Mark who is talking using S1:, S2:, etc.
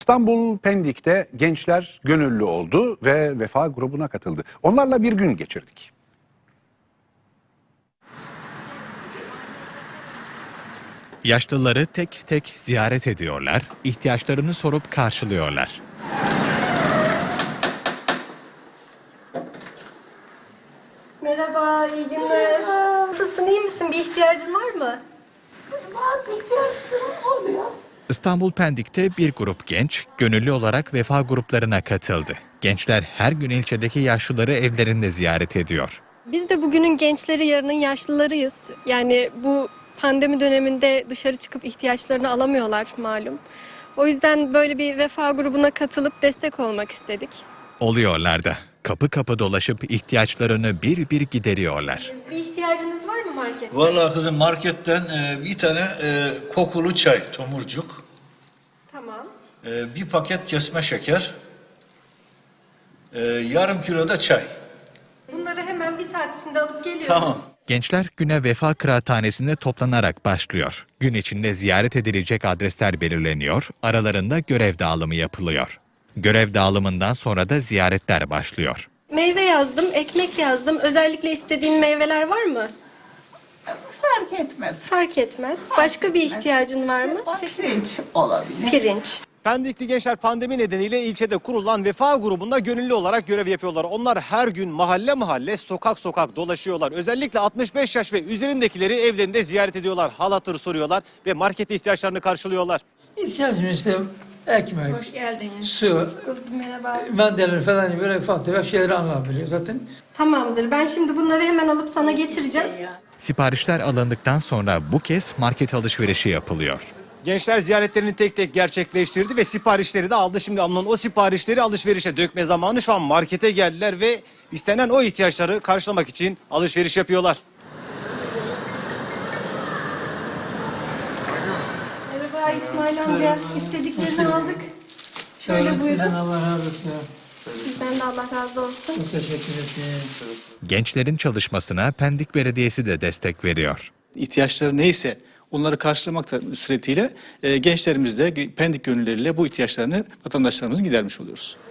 S1: İstanbul Pendik'te gençler gönüllü oldu ve Vefa grubuna katıldı. Onlarla bir gün geçirdik.
S2: Yaşlıları tek tek ziyaret ediyorlar, ihtiyaçlarını sorup karşılıyorlar.
S3: Merhaba, iyi günler. Nasılsın, iyi misin? Bir ihtiyacın var mı?
S4: Bazı ihtiyaçlarım oluyor.
S2: İstanbul Pendik'te bir grup genç gönüllü olarak Vefa gruplarına katıldı. Gençler her gün ilçedeki yaşlıları evlerinde ziyaret ediyor.
S3: Biz de bugünün gençleri, yarının yaşlılarıyız. Yani bu pandemi döneminde dışarı çıkıp ihtiyaçlarını alamıyorlar malum. O yüzden böyle bir Vefa grubuna katılıp destek olmak istedik.
S2: Oluyorlar da. Kapı kapı dolaşıp ihtiyaçlarını bir bir gideriyorlar.
S3: Bir ihtiyacınız var mı markette?
S5: Vallahi kızım marketten bir tane kokulu çay, tomurcuk,
S3: Tamam.
S5: bir paket kesme şeker, yarım kilo da çay.
S3: Bunları hemen bir saat içinde alıp geliyoruz.
S5: Tamam.
S2: Gençler güne Vefa Kıraathanesi'nde toplanarak başlıyor. Gün içinde ziyaret edilecek adresler belirleniyor, aralarında görev dağılımı yapılıyor. Görev dağılımından sonra da ziyaretler başlıyor.
S3: Meyve yazdım, ekmek yazdım. Özellikle istediğin meyveler var mı?
S4: Fark etmez.
S3: Fark etmez. Başka bir ihtiyacın var mı?
S4: Pirinç olabilir.
S3: Pirinç.
S6: Pendikli gençler pandemi nedeniyle ilçede kurulan Vefa grubunda gönüllü olarak görev yapıyorlar. Onlar her gün mahalle mahalle, sokak sokak dolaşıyorlar. Özellikle 65 yaş ve üzerindekileri evlerinde ziyaret ediyorlar. Hal hatır soruyorlar ve market ihtiyaçlarını karşılıyorlar.
S7: İhtiyacımız işte ekmek,
S4: Hoş geldiniz.
S7: su,
S3: Merhaba.
S7: mendiller falan böyle ufak tefek şeyleri alınabiliyor zaten.
S3: Tamamdır. Ben şimdi bunları hemen alıp sana getireceğim.
S2: Siparişler alındıktan sonra bu kez market alışverişi yapılıyor.
S6: Gençler ziyaretlerini tek tek gerçekleştirdi ve siparişleri de aldı. Şimdi alınan o siparişleri alışverişe dökme zamanı, şu an markete geldiler ve istenen o ihtiyaçları karşılamak için alışveriş yapıyorlar.
S3: Merhaba İsmail amca. İstediklerini aldık. Şöyle buyurun.
S7: Allah razı olsun.
S3: Sizden de Allah razı olsun.
S7: Çok teşekkür ederim.
S2: Gençlerin çalışmasına Pendik Belediyesi de destek veriyor.
S8: İhtiyaçları neyse onları karşılamak suretiyle gençlerimizle, Pendik gönülleriyle bu ihtiyaçlarını vatandaşlarımızın gidermiş oluyoruz.